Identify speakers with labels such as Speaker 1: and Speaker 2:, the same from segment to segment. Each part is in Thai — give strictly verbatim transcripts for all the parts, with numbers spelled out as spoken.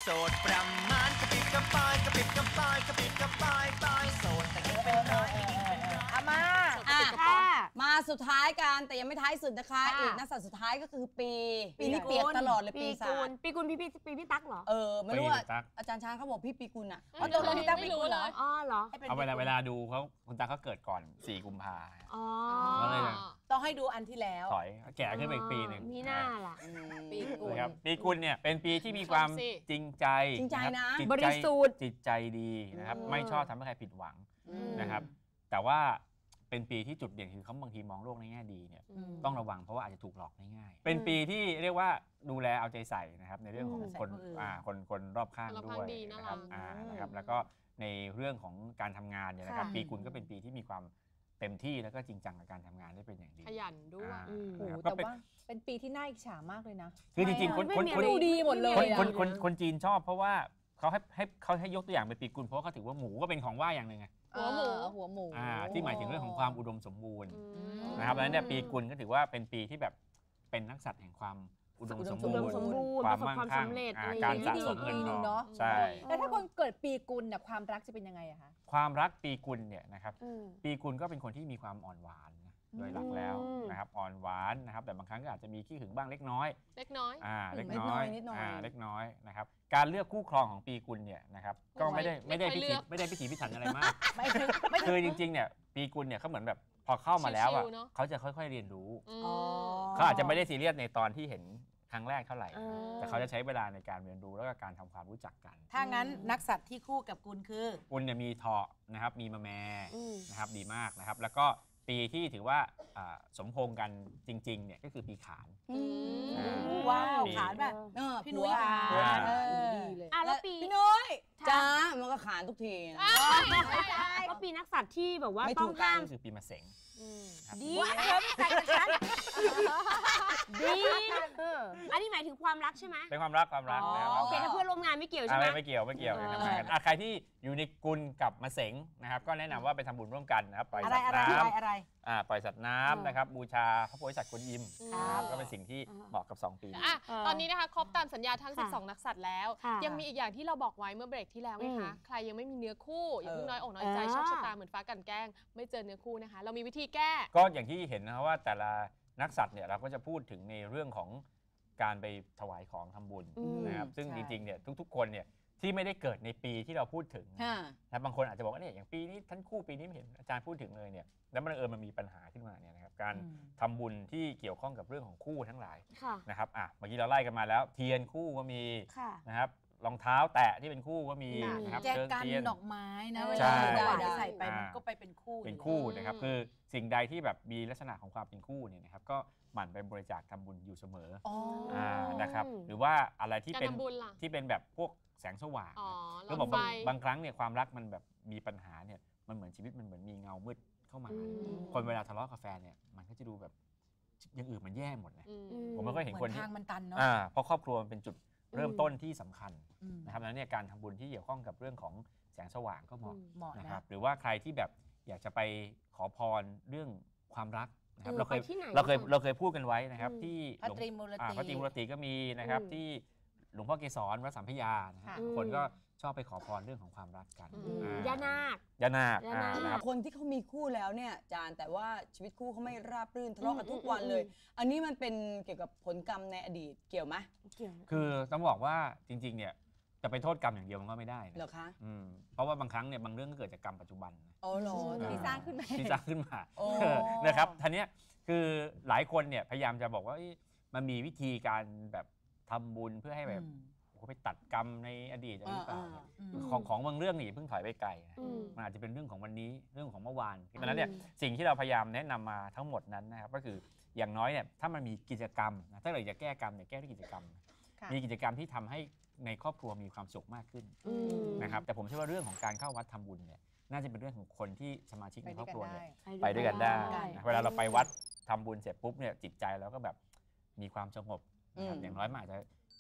Speaker 1: สดประมาณกระปิดกระปายกระปิดกระปายกระปิดกระปายปลายโสดแต่ยังเป็นร้อย
Speaker 2: อามา
Speaker 3: อ่ะมาสุดท้ายกันแต่ยังไม่ท้ายสุดนะคะอีกนักสัตว์สุดท้ายก็คือปีปีนี้เปียกตลอดเลยปีศาจ
Speaker 2: ปีกุลพี่พี่ปีพี่ตั๊กเหรอ
Speaker 3: เออไม่รู้ว่าอาจารย์ช้างเขาบอกพี่ปีกุลอ่ะ
Speaker 2: อ๋อตรงพี่ตั๊กปีกุลเหรออ๋อเหรอ
Speaker 4: เอาเวลาเวลาดูเขาคุณตาเขาเกิดก่อนสี่กุมภาพันธ์
Speaker 2: อ๋อ
Speaker 5: ต้องให้ดูอันที่แล้ว
Speaker 4: ถอยแก่ขึ้นไปอีกปีหนึ่ง
Speaker 2: มีหน้าล่ะ
Speaker 3: ปีกุล
Speaker 4: ครับปีกุลเนี่ยเป็นปีที่มีความจริงใจ
Speaker 3: จริงใจนะ
Speaker 2: บริสุทธิ์
Speaker 4: จิตใจดีนะครับไม่ชอบทำให้ใครผิดหวังนะครับแต่ว่าเป็นปีที่จุดเด่นคือเขาบางทีมองโลกในแง่ดีเนี่ยต้องระวังเพราะว่าอาจจะถูกหลอกได้ง่ายเป็นปีที่เรียกว่าดูแลเอาใจใส่นะครับในเรื่องของคนอ่าคนคนรอบข้างด้วยนะครับอ่านะครับแล้วก็ในเรื่องของการทำงานเนี่ยนะครับปีกุลก็เป็นปีที่มีความเต็มที่แล้วก็จริงจังกับการทำงานได้เป็นอย่างดี
Speaker 2: ขยันด้วย
Speaker 5: แต่ว่าเป็นปีที่น่าอิจฉามากเลยนะ
Speaker 4: คือจริงๆคนคนคน
Speaker 2: ดูดีหมดเลย
Speaker 4: คนคนคนจีนชอบเพราะว่าเขาให้ให้เขาให้ยกตัวอย่างเป็นปีกุลเพราะเขาถือว่าหมูก็เป็นของว่าอย่างหนึ่งไง
Speaker 2: หัวหมู
Speaker 5: หัวหมู
Speaker 4: ที่หมายถึงเรื่องของความอุดมสมบูรณ์นะครับแล้วเนี่ยปีกุลก็ถือว่าเป็นปีที่แบบเป็นนักสัตว์แห่งความอุดมสมบูรณ์ความมั่งคั่งการสะสมเงินทองใช่
Speaker 5: แล้วถ้าคนเกิดปีกุลเนี่ยความรักจะเป็นยังไงอะคะ
Speaker 4: ความรักปีกุลเนี่ยนะครับปีกุลก็เป็นคนที่มีความอ่อนหวานโดยหลักแล้วนะครับอ่อนหวานนะครับแต่บางครั้งก็อาจจะมีขี้หึงบ้างเล็กน้อย
Speaker 2: เล็กน้อย
Speaker 4: อ่าเล็กน้อยอ่าเล็กน้อยนะครับการเลือกคู่ครองของปีกุลเนี่ยนะครับก็ไม่ได้ไม่ได้พิถีไม่ได้พิถีพิถันอะไรมากคือจริงๆเนี่ยปีกุลเนี่ยเขาเหมือนแบบพอเข้ามาแล้วอ่ะเขาจะค่อยๆเรียนรู้เขาอาจจะไม่ได้ซีเรียสในตอนที่เห็นครั้งแรกเท่าไหร่แต่เขาจะใช้เวลาในการเรียนรู้แล้วก็การทำความรู้จักกัน
Speaker 5: ถ้างั้นนักสัตว์ที่คู่กับกุลคือ
Speaker 4: กุลเนี่ยมีเถาะนะครับมีมะแมนะครับดีมากนะครับแล้วก็ปีที่ถือว่าสมพงษ์กันจริงๆเนี่ยก็คือปีขาน
Speaker 5: ว้าวขานแบบพี่นุ้ยขาน
Speaker 2: ดีเลยอ่ะแล้วปี
Speaker 3: พี่นุ้ยจ้ามันก็ขานทุกที
Speaker 2: ก็ปีนักสัตว์ที่แบบว่าต้องห้าม
Speaker 4: คือปีมะเสง
Speaker 2: ดีเธอไม่ใส่กับฉันดีอันนี้หมายถึงความรักใช่ไหม
Speaker 4: เป็นความรักความรักนะครับ
Speaker 2: โอเคถ้าเพื่อนร่วมงานไม่เกี่ยวใช่ไหม
Speaker 4: ไม่เกี่ยวไม่เกี่ยวทำงานกันใครที่อยู่ในกุลกับมะเสงนะครับก็แนะนำว่าไปทำบุญร่วมกันนะครับปล่อยสัตว์น้ำปล่อยสัตว์น้ำนะครับบูชาพระโพธิสัตว์กวนอิมนะครับก็เป็นสิ่งที่เหมาะกับสองปี
Speaker 2: ตอนนี้นะคะครบตามสัญญาทั้งสิบสองนักสัตว์แล้วยังมีอีกอย่างที่เราบอกไว้เมื่อเบรกที่แล้วไงคะใครยังไม่มีเนื้อคู่อย่าเพิ่งน้อยอกน้อยใจโชคชะตาเหมือนฟ้ากันแกล้งไม่เจอเนื้อคู่นะคะเรามีวิธีแก้
Speaker 4: ก็อย่างที่เห็นนะครับว่าแต่ละนักสัตว์เนี่ยเราก็จะพูดถึงในเรื่องของการไปถวายของทำบุญนะครับซึ่งจริงๆเนี่ยทุกๆคนเนี่ยที่ไม่ได้เกิดในปีที่เราพูดถึงนะบางคนอาจจะบอกว่าเนี่ยอย่างปีนี้ท่านคู่ปีนี้ไม่เห็นอาจารย์พูดถึงเลยเนี่ยแล้วมันเออมันมีปัญหาขึ้นมาเนี่ยนะครับการทำบุญที่เกี่ยวข้องกับเรื่องของคู่ทั้งหลายนะครับอ่ะเมื่อกี้เราไล่กันมาแล้วเทียนคู่ก็มีนะครับรองเท้าแตะที่เป็นคู่ก็มีนะครับ
Speaker 5: แจกันดอกไม้นะเวลาใส่ไปมันก็ไปเป็นคู่
Speaker 4: เป็นคู่นะครับคือสิ่งใดที่แบบมีลักษณะของความเป็นคู่เนี่ยนะครับก็หมั่นไปบริจาคทำบุญอยู่เสมอนะครับหรือว่าอะไรที่เป็นที่เป็นแบบพวกแสงสว่างก็บอกบางครั้งเนี่ยความรักมันแบบมีปัญหาเนี่ยมันเหมือนชีวิตมันเหมือนมีเงามืดเข้ามาคนเวลาทะเลาะกับแฟนเนี่ยมันก็จะดูแบบอย่างอื่นมันแย่หมดนะผมไม่ค่อยเห็นคนที่
Speaker 5: ทางมันตันเนาะ
Speaker 4: เพราะครอบครัวมันเป็นจุดเริ่มต้นที่สำคัญนะครับแล้วเนี่ยการทำบุญที่เกี่ยวข้องกับเรื่องของแสงสว่างก็เหมาะนะครับหรือว่าใครที่แบบอยากจะไปขอพรเรื่องความรักนะครับเราเคยเราเคยเราเคยพูดกันไว้นะครับที่
Speaker 5: พระตรีมูลติ
Speaker 4: พระตรีมูลติก็มีนะครับที่หลวงพ่อเกศรวัดสัมพยาคนก็ชอบไปขอพรเรื่องของความรักกัน
Speaker 2: ย่านาค
Speaker 4: ย่านาค
Speaker 3: คนที่เขามีคู่แล้วเนี่ยอาจารย์แต่ว่าชีวิตคู่เขาไม่ราบรื่นทะเลาะกันทุกวันเลยอันนี้มันเป็นเกี่ยวกับผลกรรมในอดีตเกี่ยวไหม
Speaker 4: เกี่ยวคือต้องบอกว่าจริงๆเนี่ยจะไปโทษกรรมอย่างเดียวมันก็ไม่ได้
Speaker 3: เหรอคะ
Speaker 4: เพราะว่าบางครั้งเนี่ยบางเรื่องก็เกิดจากกรรมปัจจุบัน
Speaker 3: โอ้โห
Speaker 5: ที่สร้างขึ้นมา
Speaker 4: ที่สร้างขึ้นมานะครับทีนี้คือหลายคนเนี่ยพยายามจะบอกว่ามันมีวิธีการแบบทำบุญเพื่อให้แบบไปตัดกรรมในอดีตอะไรหรือเปล่าของของบางเรื่องนี่เพิ่งถอยไปไกลมันอาจจะเป็นเรื่องของวันนี้เรื่องของเมื่อวานเพราะฉะนั้นเนี่ยสิ่งที่เราพยายามแนะนำมาทั้งหมดนั้นนะครับก็คืออย่างน้อยเนี่ยถ้ามันมีกิจกรรมนะถ้าเราจะแก้กรรมเนี่ยแก้ด้วยกิจกรรมมีกิจกรรมที่ทำให้ในครอบครัวมีความสุขมากขึ้นนะครับแต่ผมเชื่อว่าเรื่องของการเข้าวัดทำบุญเนี่ยน่าจะเป็นเรื่องของคนที่สมาชิกในครอบครัวเนี่ยไปด้วยกันได้เวลาเราไปวัดทำบุญเสร็จปุ๊บเนี่ยจิตใจเราก็แบบมีความสงบนะครับอย่างน้อยมันอาจจะ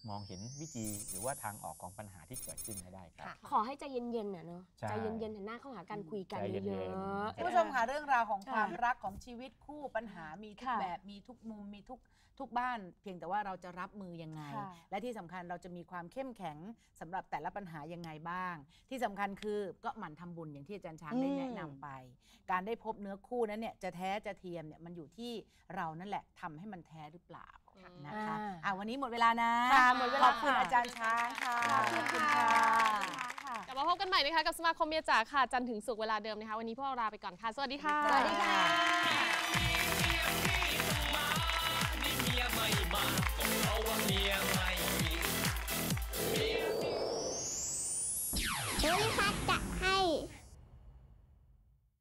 Speaker 4: มองเห็นวิธีหรือว่าทางออกของปัญหาที่เกิดขึ้นให้ได้ครับ
Speaker 6: ขอให้ใจเย็นๆน่ะเนาะ
Speaker 4: ใช่
Speaker 6: ใจเย็นๆหันหน้าเข้าหากันคุยกัน
Speaker 4: ใจเย็นๆ
Speaker 6: เยอะๆ
Speaker 5: คุณผู้ชมค่ะเรื่องราวของความรักของชีวิตคู่ปัญหามีทุก
Speaker 6: ค่ะ
Speaker 5: แบบมีทุกมุมมีทุกทุกบ้าน เพียงแต่ว่าเราจะรับมือยังไง
Speaker 6: ค่ะ
Speaker 5: และที่สำคัญเราจะมีความเข้มแข็งสำหรับแต่ละปัญหายังไงบ้าง ที่สำคัญคือก็หมั่นทำบุญอย่างที่อาจารย์ช้างได้แนะนำไป การได้พบเนื้อคู่นั้นเนี่ยจะแท้จะเทียมเนี่ยมันอยู่ที่เรานั่นแหละทำให้มันแท้หรือเปล่านะคะ
Speaker 6: อ่า
Speaker 5: อ่ะวันนี้หมดเวลานะ
Speaker 6: ค่ะหมดเวลา
Speaker 5: ขอบคุณ
Speaker 6: ค่ะ
Speaker 5: อาจารย์ช้างค่ะ
Speaker 6: ขอบคุณค่ะ
Speaker 2: กลับมาพบกันใหม่นะคะกับสมาคมเมียจ๋าค่ะจันทร์ถึงศุกร์เวลาเดิมนะคะวันนี้พวกเราลาไปก่อนค่ะสวัสดีค่ะ
Speaker 6: สวัสดีค่ะ